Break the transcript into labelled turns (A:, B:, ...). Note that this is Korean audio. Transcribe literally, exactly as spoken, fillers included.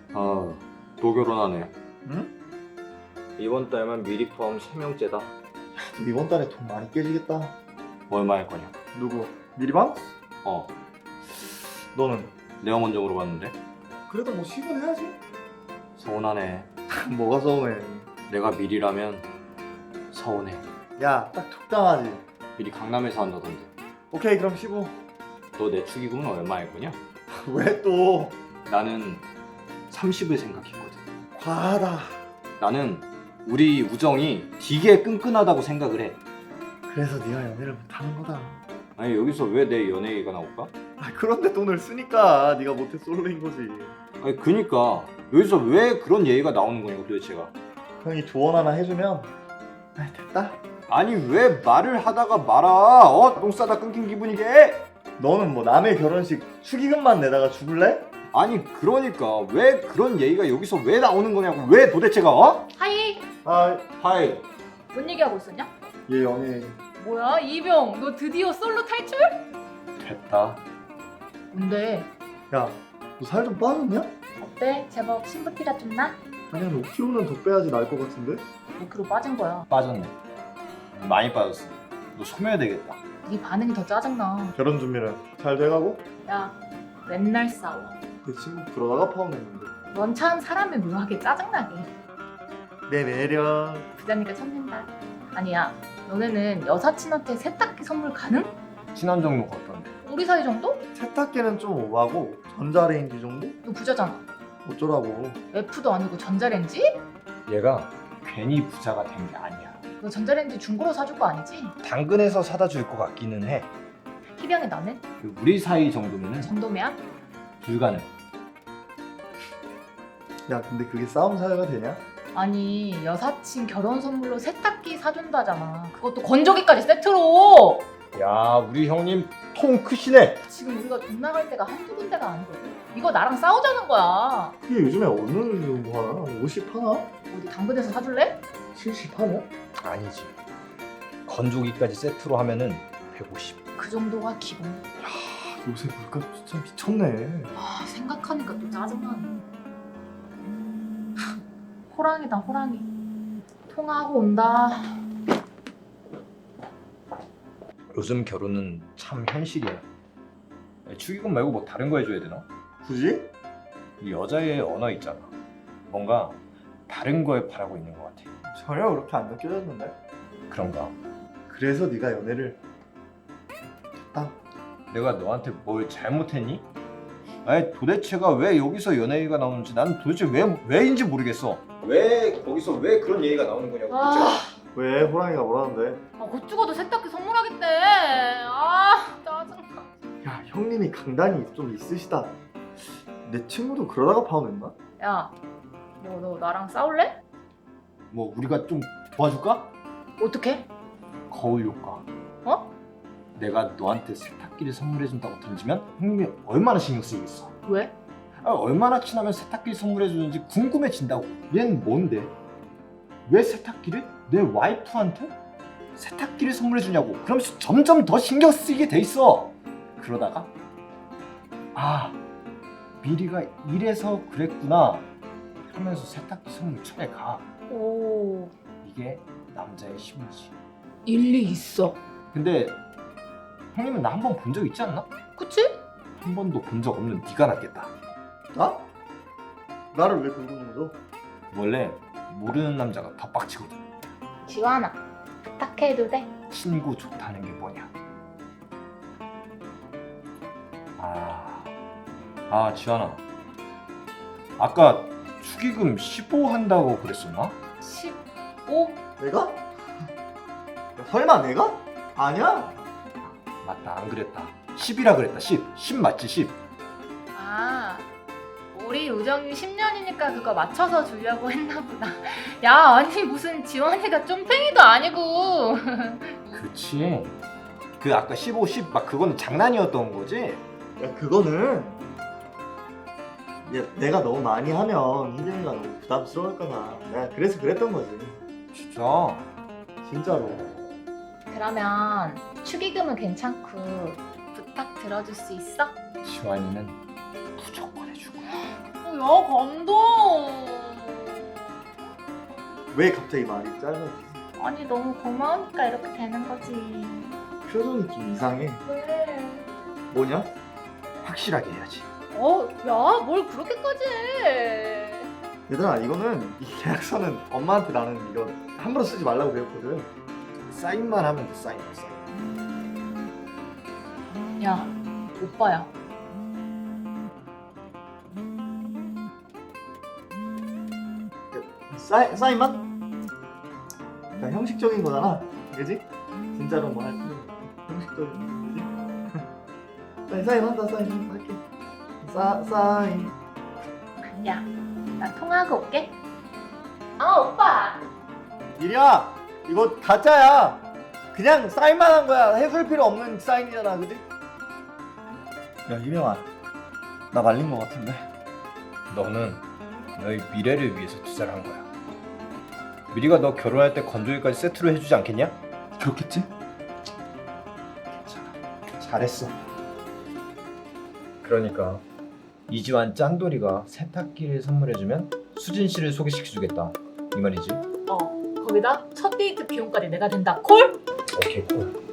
A: 아, 또 결혼하네.
B: 응?
A: 이번 달만 미리 포함 세 명째다.
B: 이번 달에 돈 많이 깨지겠다.
A: 얼마 할 거냐?
B: 누구? 미리방?
A: 어,
B: 너는?
A: 내가 먼저 물어봤는데.
B: 그래도 뭐 십은 해야지.
A: 서운하네.
B: 뭐가 서운해.
A: 내가 미리라면 서운해.
B: 야, 딱 적당하지.
A: 미리 강남에서 한다던데.
B: 오케이, 그럼 십오.
A: 너 내 축의금은 얼마 할 거냐?
B: 왜 또?
A: 나는 삼십을 생각했거든.
B: 과하다.
A: 나는 우리 우정이 되게 끈끈하다고 생각을 해.
B: 그래서 네가 연애를 못하는 거다.
A: 아니 여기서 왜 내 연애 얘기가 나올까?
B: 아, 그런데 돈을 쓰니까 네가 못해 솔로인 거지.
A: 아니 그니까 여기서 왜 그런 얘기가 나오는 거냐고 도대체가.
B: 형이 조언 하나 해주면 아, 됐다.
A: 아니 왜 말을 하다가 말아. 어? 똥 싸다 끊긴 기분이게.
B: 너는 뭐 남의 결혼식 축의금만 내다가 죽을래?
A: 아니 그러니까 왜 그런 얘기가 여기서 왜 나오는 거냐고. 왜 도대체가. 어?
C: 하이!
B: 아,
A: 하이.
C: 뭔 얘기하고 있었냐?
B: 얘 연애.
C: 뭐야 이병 너 드디어 솔로 탈출?
A: 됐다.
C: 뭔데?
B: 야, 너 살 좀 빠졌냐?
C: 어때? 제법 신부티가 좀 나?
B: 아니 한 오 킬로는 더 빼야지 나을 것 같은데?
C: 오 킬로 빠진 거야.
A: 빠졌네. 많이 빠졌어. 너 소멸 되겠다.
C: 네 반응이 더 짜증나.
B: 결혼 준비는 잘 돼가고?
C: 야 맨날 싸워.
B: 내 친구 그러다가 파혼했는데.
C: 넌 참 사람이 묘하게 짜증나게.
B: 내 매력.
C: 부자니까 참는다. 아니야 너네는 여사친한테 세탁기 선물 가능?
A: 친한 정도가 어떤데?
C: 우리 사이 정도?
B: 세탁기는 좀 오바고 전자레인지 정도?
C: 너 부자잖아.
B: 어쩌라고.
C: F도 아니고 전자레인지?
A: 얘가 괜히 부자가 된 게 아니야.
C: 너 전자레인지 중고로 사줄 거 아니지?
A: 당근에서 사다 줄 것 같기는 해.
C: 희병이 나는?
A: 우리 사이 정도면은
C: 정도면?
A: 불가능.
B: 야, 근데 그게 싸움 사유가 되냐?
C: 아니 여사친 결혼 선물로 세탁기 사준다잖아. 그것도 건조기까지 세트로.
A: 야 우리 형님 통 크시네.
C: 지금 우리가 돈 나갈 때가 한두 군데가 아니거든. 이거 나랑 싸우자는 거야.
B: 그게 요즘에 어느 정도 하나? 오십 하나?
C: 어디 당근에서 사줄래?
B: 칠십 하냐?
A: 아니지. 건조기까지 세트로 하면은 백오십.
C: 그 정도가 기본.
B: 요새 물가 진짜 미쳤네.
C: 아 생각하니까 또 짜증나네. 호랑이다 호랑이. 통화하고 온다.
A: 요즘 결혼은 참 현실이야. 축의금 말고 뭐 다른 거 해줘야 되나?
B: 굳이?
A: 이 여자의 언어 있잖아. 뭔가 다른 거에 바라고 있는 것 같아.
B: 전혀 그렇게 안 느껴졌는데?
A: 그런가?
B: 그래서 네가 연애를 됐다.
A: 내가 너한테 뭘 잘못했니? 아니 도대체가 왜 여기서 연애 얘기가 나오는지 난 도대체 왜 왜인지 모르겠어. 왜 거기서 왜 그런 얘기가 나오는 거냐고.
C: 아,
B: 왜 호랑이가 뭐라는데?
C: 아, 곧 죽어도 세탁기 선물하겠대. 아 짜증나.
B: 야, 형님이 강단이 좀 있으시다. 내 친구도 그러다가 파혼했나?
C: 야, 너 너 나랑 싸울래?
A: 뭐 우리가 좀 도와줄까?
C: 어떻게?
A: 거울 효과.
C: 어?
A: 내가 너한테 세탁기를 선물해준다고 던지면 형님이 얼마나 신경 쓰이겠어.
C: 왜?
A: 아, 얼마나 친하면 세탁기를 선물해주는지 궁금해진다고. 얘는 뭔데? 왜 세탁기를 내 와이프한테 세탁기를 선물해주냐고. 그러면서 점점 더 신경 쓰이게 돼 있어. 그러다가 아 미리가 이래서 그랬구나 하면서 세탁기 선물 차에 가.
C: 오,
A: 이게 남자의 심리지.
C: 일리 있어.
A: 근데 형님은 나 한 번 본 적 있지 않나?
C: 그치?
A: 한 번도 본 적 없는 네가 낫겠다.
B: 나? 나를 왜 긁는 거죠?
A: 원래 모르는 남자가 더 빡치거든.
C: 지환아, 부탁해도 돼?
A: 친구 좋다는 게 뭐냐? 아, 아 지환아, 아까 축의금 십오 한다고 그랬었나?
C: 십오?
B: 내가? 야, 설마 내가? 아니야.
A: 맞다, 안 그랬다. 십이라 그랬다. 십, 십 맞지? 십.
C: 아, 우리 우정이 십 년이니까 그거 맞춰서 주려고 했나 보다. 야, 아니 무슨 지원이가 쫌팽이도 아니고.
A: 그치. 그 아까 십오, 십 막 그거는 장난이었던 거지?
B: 야, 그거는 야, 내가 너무 많이 하면 희정이가 너무 부담스러울까 봐. 내가 그래서 그랬던 거지.
A: 진짜.
B: 진짜로.
C: 그러면 축의금은 괜찮고 부탁 들어줄 수 있어?
A: 지환이는 무조건 해주고.
C: 어, 야 감동.
B: 왜 갑자기 말이 짧아지지?
C: 아니 너무 고마우니까 이렇게 되는 거지.
B: 표정이 좀 이상해.
C: 왜?
B: 뭐냐?
A: 확실하게 해야지.
C: 어, 야, 뭘 그렇게까지 해?
B: 얘들아, 이거는 이 계약서는 엄마한테 나는 이거 함부로 쓰지 말라고 배웠거든.
A: 사인만 하면 돼. 사인만 사인.
C: 야, 오빠야.
B: 사인, 사인만? 그냥 형식적인 거잖아, 그지? 진짜로 뭐 할 필요 없고 형식적인 거지? 사인, 사인한다, 사인 할게. 사, 사인.
C: 야, 나 통화하고 올게. 아, 오빠.
B: 이리야, 이거 가짜야. 그냥 사인만 한 거야. 해줄 필요 없는 사인이잖아, 그지? 야, 이명아, 나 말린 거 같은데.
A: 너는 너의 미래를 위해서 투자를 한 거야. 미리가 너 결혼할 때 건조기까지 세트로 해주지 않겠냐?
B: 그렇겠지?
A: 괜찮아. 잘했어. 그러니까 이지환 짠돌이가 세탁기를 선물해주면 수진 씨를 소개시켜주겠다. 이 말이지?
C: 어, 거기다 첫 데이트 비용까지 내가 된다. 콜?
A: 오케이 콜.